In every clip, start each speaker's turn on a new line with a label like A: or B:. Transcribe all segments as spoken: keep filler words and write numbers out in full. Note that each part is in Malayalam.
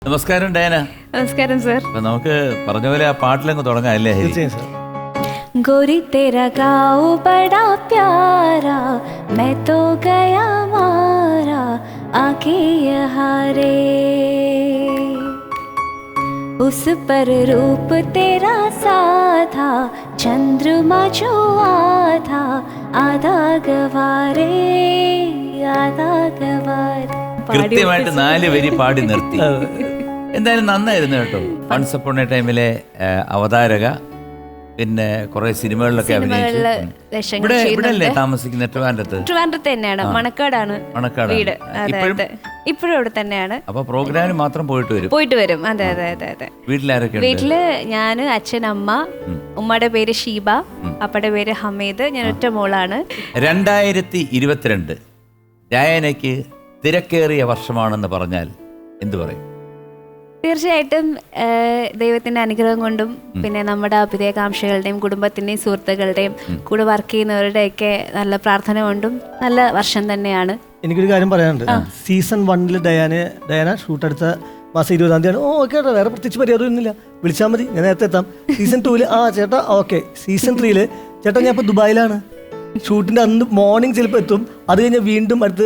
A: നമസ്കാരം ഡയാന.
B: നമസ്കാരം സർ.
A: അപ്പൊ നമുക്ക് പറഞ്ഞ പോലെ ആ പാട്ടിലങ്ങ് തുടങ്ങാം അല്ലേ?
B: गोरी तेरा गाँव बड़ा प्यारा, मैं तो गया मारा आके यहाँ रे, उस पर रूप तेरा साधा चंद्रमा जो आधा आधा गवारे आधा गवारे.
A: കൃത്യമായിട്ട് നാല് വരി പാടി നിർത്തി. എന്തായാലും നന്നായിരുന്നു കേട്ടോ. വൺസ് അപ്പോൺ എ ടൈമിലെ അവതാരക, പിന്നെ കുറെ സിനിമകളിലൊക്കെ അഭിനയിച്ചു. ഇവിടെ ഇവിടെ അല്ലേ താമസിക്കുന്ന? ട്രിവാൻഡ്രത്ത്.
B: ട്രിവാൻഡ്രത്ത് തന്നെയാണ്, മണക്കാടാണ്
A: മണക്കാട്
B: വീട്. ഇപ്പോഴും ഇവിടെ തന്നെയാണ്.
A: അപ്പൊ പ്രോഗ്രാമിന് മാത്രം പോയിട്ട് വരും
B: പോയിട്ട് വരും അതെ അതെ അതെ അതെ.
A: വീട്ടിലാരൊക്കെ?
B: വീട്ടില് ഞാന്, അച്ഛൻ, അമ്മ. ഉമ്മയുടെ പേര് ഷീബ, അപ്പയുടെ പേര് ഹമീദ്. ഞാൻ ഒറ്റ മോളാണ്.
A: രണ്ടായിരത്തി ഇരുപത്തിരണ്ട് ഡയാനയ്ക്ക് തിരക്കേറിയ വർഷമാണെന്ന് പറഞ്ഞാൽ എന്തു പറയും?
B: തീർച്ചയായിട്ടും ദൈവത്തിന്റെ അനുഗ്രഹം കൊണ്ടും പിന്നെ നമ്മുടെ അഭിനയകാംക്ഷകളുടെയും കുടുംബത്തിന്റെയും സുഹൃത്തുക്കളുടെയും കൂടെ വർക്ക് ചെയ്യുന്നവരുടെയൊക്കെ നല്ല പ്രാർത്ഥന കൊണ്ടും നല്ല വർഷം തന്നെയാണ്.
C: എനിക്കൊരു കാര്യം പറയാനുണ്ട്. സീസൺ വണ്ണിൽ ഡയാന ഡയാന ഷൂട്ട് എടുത്ത മാസം ഇരുപതാം തീയതി. ഓ ഓക്കെ ചേട്ടാ, വേറെ പ്രത്യേകിച്ച് പരിപാടിയൊന്നുമില്ല, വിളിച്ചാൽ മതി, ഞാൻ നേരത്തെ എത്താം. സീസൺ ടൂവില് ആ ചേട്ടാ ഓക്കെ. സീസൺ ത്രീയില് ചേട്ടാ ഞാൻ ഇപ്പോൾ ദുബായിലാണ്, ഷൂട്ടിൻ്റെ അന്ന് മോർണിംഗ് ചിലപ്പോൾ എത്തും. അത് കഴിഞ്ഞ് വീണ്ടും അടുത്ത്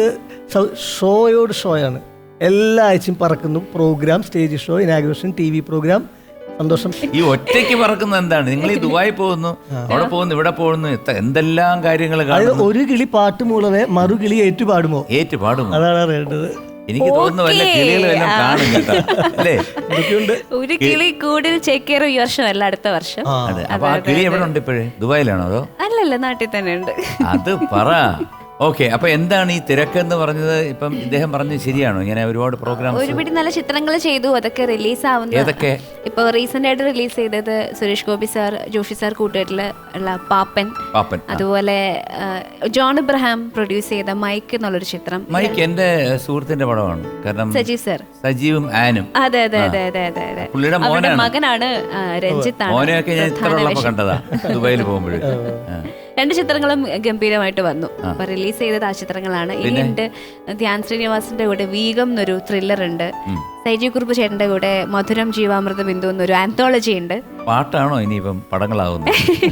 C: ഷോയോട് ഷോയാണ്. എല്ലാ ആഴ്ചയും പറക്കുന്നു. Program, stage show, inauguration, T V program. സന്തോഷം.
A: ഈ ഒറ്റയ്ക്ക് പറക്കുന്നത് എന്താണ്? നിങ്ങൾ ഈ ദുബായി പോകുന്നു, അവിടെ പോകുന്നു, ഇവിടെ പോകുന്നു, എന്തെല്ലാം കാര്യങ്ങൾ.
C: ഒരു കിളി പാട്ട് മൂളവേ മറു കിളി ഏറ്റു പാടുമോ?
A: ഏറ്റു പാടുമോ?
C: അതാണ് അറിയേണ്ടത്.
A: എനിക്ക് തോന്നുന്നു വല്ല കിളികളെല്ലാം കാണും കേട്ടോ അല്ലേ?
B: ഒരു കിളി കൂടുതൽ ചേക്കേറും ഈ വർഷം അല്ല, അടുത്ത വർഷം.
A: അതെ. അപ്പൊ ആ കിളി എവിടെ ഉണ്ട് ഇപ്പോഴേ? ദുബായിലാണോ അതോ?
B: അല്ലല്ല, നാട്ടിൽ തന്നെ ഉണ്ട്.
A: അത് പറ. ഓക്കെ. അപ്പൊ എന്താണ് ഈ തിരക്കെന്ന് പറഞ്ഞത്? ഇപ്പം ഇദ്ദേഹം പറഞ്ഞത് ശരിയാണോ? ഇങ്ങനെ ഒരുപാട് പ്രോഗ്രാം,
B: ഒരുപാട് നല്ല ചിത്രങ്ങൾ ചെയ്തു, അതൊക്കെ റിലീസ് ആവുന്നു.
A: ഏതൊക്കെ?
B: ഇപ്പൊ റീസെന്റ് ആയിട്ട് റിലീസ് ചെയ്തത് സുരേഷ് ഗോപി സാർ, ജോഷി സാർ കൂട്ടുകെട്ടില് ഉള്ള പാപ്പൻ,
A: പാപ്പൻ.
B: അതുപോലെ ജോൺ ഇബ്രഹാം പ്രൊഡ്യൂസ് ചെയ്ത മൈക്ക് എന്നുള്ളൊരു ചിത്രം.
A: മൈക്ക് എന്റെ സുഹൃത്തിന്റെ പടമാണ്. കാരണം
B: സജീവ് സാർ,
A: സജീവും ആനും.
B: അതെ അതെ അതെ അതെ അതെ അതെ.
A: പുള്ളിയുടെ
B: മകനാണ് രഞ്ജിത്താണ്.
A: മോനെയൊക്കെ ഞാൻ ഇത്ര ഉള്ളപ്പോ കണ്ടതാ ദുബായിൽ പോകുമ്പോഴേ.
B: രണ്ട് ചിത്രങ്ങളും ഗംഭീരമായിട്ട് വന്നു. അപ്പൊ റിലീസ് ചെയ്തത് ആ ചിത്രങ്ങളാണ്. ഇനിയുണ്ട് ധ്യാൻ ശ്രീനിവാസിന്റെ കൂടെ വീഗം എന്നൊരു ത്രില്ലർ ഉണ്ട്. സൈജി കുറുപ്പ് ചേട്ടന്റെ കൂടെ മധുരം ജീവാമൃത ബിന്ദു എന്നൊരു ആന്തോളജി ഉണ്ട്.
A: പാട്ടാണോ ഇനിയിപ്പം പടങ്ങളാവുന്നത്?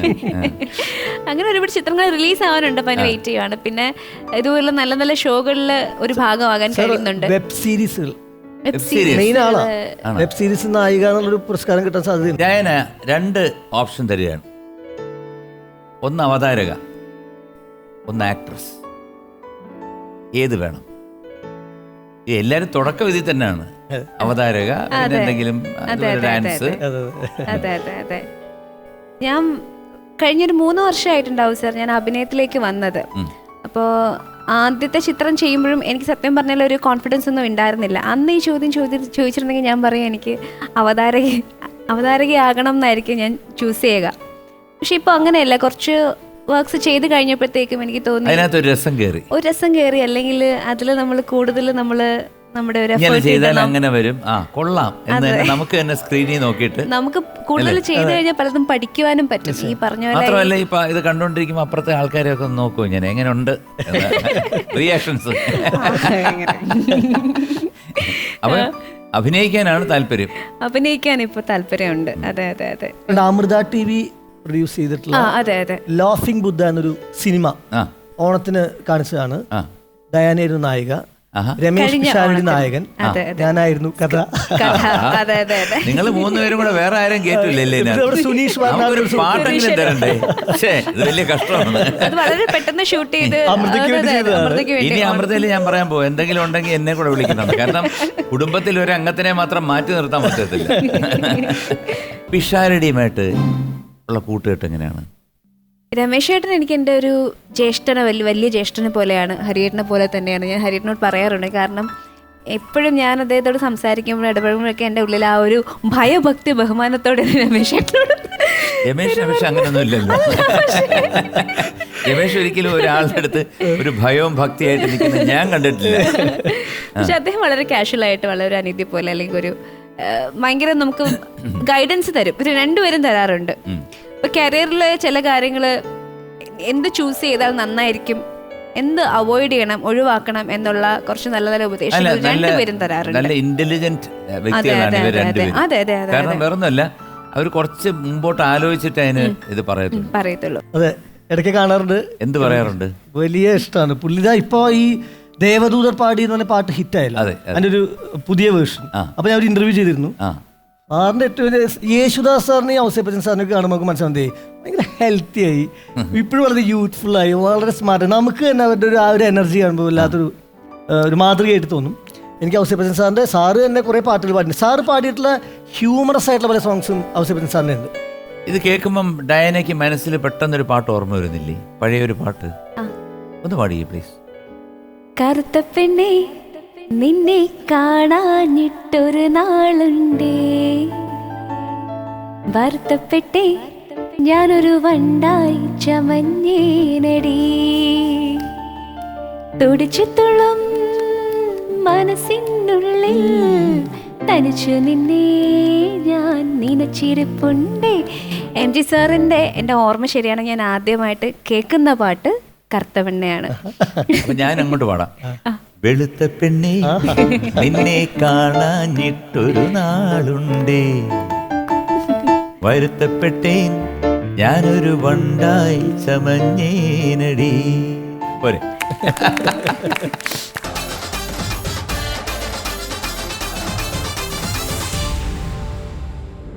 B: അങ്ങനെ ഒരുപാട് ചിത്രങ്ങൾ റിലീസ് ആവാനുണ്ട്. അപ്പൊ അതിന് വെയിറ്റ് ചെയ്യുവാണ്. പിന്നെ ഇതുപോലെ നല്ല നല്ല ഷോകളിൽ ഒരു ഭാഗമാകാൻ കഴിയുന്നുണ്ട്.
C: വെബ് സീരീസുകൾ മെയിൻ ആളാണ്. വെബ് സീരീസ് നായിക എന്നുള്ളൊരു പുരസ്കാരം കിട്ടാൻ സാധ്യത.
A: ഡയാന രണ്ട് ഓപ്ഷൻ തരികയാണ്. ഒന്ന് അവതാരക, ഒന്ന് ആക്ട്രസ്. ഏത് വേണം? എല്ലാരും തുടക്കം ഇതിൽ തന്നെയാണ്. അവതാരക, പിന്നെ എന്തെങ്കിലും ഡാൻസ്.
B: അതെ അതെ അതെ. ഞാൻ കഴിഞ്ഞൊരു മൂന്ന് വർഷമായിട്ടുണ്ടാവും സാർ ഞാൻ അഭിനയത്തിലേക്ക് വന്നത്. അപ്പോൾ ആദ്യത്തെ ചിത്രം ചെയ്യുമ്പോഴും എനിക്ക് സത്യം പറഞ്ഞാൽ ഒരു കോൺഫിഡൻസ് ഒന്നും ഉണ്ടായിരുന്നില്ല. അന്ന് ഈ ചോദ്യം ചോദി ചോദിച്ചിരുന്നെങ്കിൽ ഞാൻ പറയും എനിക്ക് അവതാരക അവതാരകയാകണം എന്നായിരിക്കും ഞാൻ ചൂസ് ചെയ്യുക. പക്ഷെ ഇപ്പൊ അങ്ങനെയല്ല. കുറച്ച് വർക്ക്സ് ചെയ്ത് കഴിഞ്ഞപ്പോഴത്തേക്കും എനിക്ക് തോന്നി
A: അതിനകത്ത് ഒരു രസം കയറി
B: ഒരു രസം കയറി അല്ലെങ്കിൽ അതിൽ നമ്മൾ കൂടുതൽ നമ്മള് നമ്മുടെ ഒരു
A: അങ്ങനെ വരും. ആ കൊള്ളാം എന്ന് നമുക്ക് തന്നെ സ്ക്രീനിൽ നോക്കിയിട്ട്
B: നമുക്ക് കൂടുതൽ ചെയ്ത് കഴിഞ്ഞാൽ പലതും പഠിക്കുവാനും പറ്റും. ഈ പറഞ്ഞ പോലെ
A: മാത്രമല്ല ഇപ്പൊ ഇത് കണ്ടോണ്ടിരിക്കുമ്പോ അപ്പുറത്തെ ആൾക്കാരെയൊക്കെ ഒന്ന് നോക്കൂ, ഞാൻ എങ്ങനെയുണ്ട് റിയാക്ഷൻസ്. അപ്പൊ അഭിനയിക്കാനാണ് താല്പര്യം.
B: അഭിനയിക്കാൻ ഇപ്പൊ താല്പര്യമുണ്ട്. അതെ അതെ അതെ.
C: അമൃത ടി വി പ്രൊഡ്യൂസ് ചെയ്തിട്ടുള്ള ലാഫിംഗ് ബുദ്ധ എന്നൊരു സിനിമ ഓണത്തിന് കാണിച്ചതാണ്. ഡയാനയായിരുന്നു നായിക, രമേശ് പിഷാരടി നായകൻ, ഞാനായിരുന്നു കഥ.
A: നിങ്ങൾ മൂന്നുപേരും കൂടെ വേറെ ആരും കേട്ടില്ലേ?
C: സുനീഷ്
A: പാട്ടെങ്കിലും തരണ്ടേ? ഇത് വലിയ കഷ്ടമാണ്.
B: വളരെ പെട്ടെന്ന് ഷൂട്ട് ചെയ്ത്
A: ഇനി അമൃതയിൽ ഞാൻ പറയാൻ പോകും, എന്തെങ്കിലും ഉണ്ടെങ്കിൽ എന്നെ കൂടെ വിളിക്കുന്നുണ്ട്. കാരണം കുടുംബത്തിൽ ഒരു അംഗത്തിനെ മാത്രം മാറ്റി നിർത്താൻ പറ്റത്തില്ല. പിഷാരടിയുമായിട്ട് ഉള്ള കൂട്ടുകെട്ട് എങ്ങനെയാണ്?
B: രമേശ് ചേട്ടൻ എനിക്ക് എൻ്റെ ഒരു ജ്യേഷ്ഠനെ, വലിയ വലിയ ജ്യേഷ്ഠനെ പോലെയാണ്. ഹരിയേട്ടനെ പോലെ തന്നെയാണ്. ഞാൻ ഹരിയേട്ടനോട് പറയാറുണ്ട്. കാരണം എപ്പോഴും ഞാൻ അദ്ദേഹത്തോട് സംസാരിക്കുമ്പോഴും ഇടപെടുമ്പോഴൊക്കെ എൻ്റെ ഉള്ളിൽ ആ ഒരു ഭയഭക്തി ബഹുമാനത്തോടെ രമേശ് ചേട്ടനോട്.
A: രമേശ് രമേശ് അങ്ങനെയൊന്നും ഇല്ലല്ലോ. രമേശ് ഒരിക്കലും ഒരാളുടെ അടുത്ത് ഒരു ഭയവും ഭക്തിയായിട്ട് നിൽക്കുന്നത് ഞാൻ കണ്ടിട്ടില്ല.
B: പക്ഷെ അദ്ദേഹം വളരെ കാഷ്വലായിട്ട്, വളരെ അനീതി പോലെ അല്ലെങ്കിൽ ഒരു ഭയങ്കര നമുക്ക് ഗൈഡൻസ് തരും. ഇത് രണ്ടുപേരും തരാറുണ്ട്. ഇപ്പൊ കരിയറിലെ ചില കാര്യങ്ങള് എന്ത് ചൂസ് ചെയ്താൽ നന്നായിരിക്കും എന്ത് അവോയ്ഡ് ചെയ്യണം, ഒഴിവാക്കണം എന്നുള്ള കുറച്ച് നല്ല നല്ല ഉപദേശങ്ങൾ രണ്ടുപേരും തരാറുണ്ട്.
A: നല്ല ഇന്റലിജന്റ് വ്യക്തികളാണ് ഇവർ രണ്ടുപേരും.
B: അതെ അതെ അതെ.
A: കാരണം വേറൊന്നുമല്ല, അവർ കുറച്ച് മുമ്പോട്ട് ആലോചിച്ചിട്ട് അതിന് ഇത് പറയത്തുള്ളൂ
B: പറയത്തുള്ളൂ.
C: അതെ, ഇടയ്ക്ക് കാണാറുണ്ട്.
A: എന്ത് പറയാറുണ്ട്?
C: വലിയ ഇഷ്ടമാണ് പുള്ളിതാ. ഇപ്പൊ ഈ ദേവദൂതർ പാടി എന്ന് പറഞ്ഞ പാട്ട് ഹിറ്റായല്ലോ,
A: അതെ,
C: അതിന്റെ ഒരു പുതിയ വേർഷൻ. അപ്പൊ ഞാൻ ഒരു ഇന്റർവ്യൂ ചെയ്തിരുന്നു.
A: ആ
C: സാറിന്റെ ഏറ്റവും വലിയ യേശുദാസ് സാറിനെയും ഔസേപ്പച്ചൻ സാറിനൊക്കെ കാണുമ്പോൾ നമുക്ക് മനസ്സിലാവുന്നതേ ഭയങ്കര ഹെൽത്തി ആയി, ഇപ്പോഴും വളരെ യൂത്ത്ഫുൾ ആയി, വളരെ സ്മാർട്ട്. നമുക്ക് തന്നെ അവരുടെ ഒരു ആ ഒരു എനർജി കാണുമ്പോൾ വല്ലാത്തൊരു ഒരു മാതൃകയായിട്ട് തോന്നും. എനിക്ക് ഔസേപ്പച്ചൻ സാറിന്റെ സാറ് തന്നെ കുറെ പാട്ടുകൾ പാടിയിട്ടുണ്ട്. സാറ് പാടിയിട്ടുള്ള ഹ്യൂമറസ് ആയിട്ടുള്ള പല സോങ്സും ഔസേപ്പച്ചൻ സാറിന്റെ ഉണ്ട്.
A: ഇത് കേൾക്കുമ്പം ഡയനയ്ക്ക് മനസ്സിൽ പെട്ടെന്നൊരു പാട്ട് ഓർമ്മ വരുന്നില്ലേ? പഴയൊരു പാട്ട് ഒന്ന് പാടിയേ പ്ലീസ്.
B: കറുത്ത പെണ്ണേ നിന്നെ കാണാഞ്ഞിട്ടൊരു നാളുണ്ടേ, ഭർത്തപ്പെട്ടേ ഞാനൊരു വണ്ടായി ചമഞ്ഞേനടി, തുടിച്ചുത്തുള്ളും മനസ്സിനുള്ളിൽ തനിച്ചു നിന്നേ ഞാൻ നനച്ചിരിപ്പുണ്ടേ. എം ജി സാറിന്റെ എൻ്റെ ഓർമ്മ ശരിയാണ്, ഞാൻ ആദ്യമായിട്ട് കേൾക്കുന്ന പാട്ട് കറുത്ത പെണ്ണയാണ്.
A: അപ്പൊ ഞാൻ അങ്ങോട്ട് പാടാം. വെളുത്ത പെണ്ണേ നിന്നെ കാണാഞ്ഞിട്ടൊരു നാളുണ്ടേ, വരുത്തപ്പെട്ടേൻ ഞാനൊരു വണ്ടായി ചമഞ്ഞേനടി. പോരെ?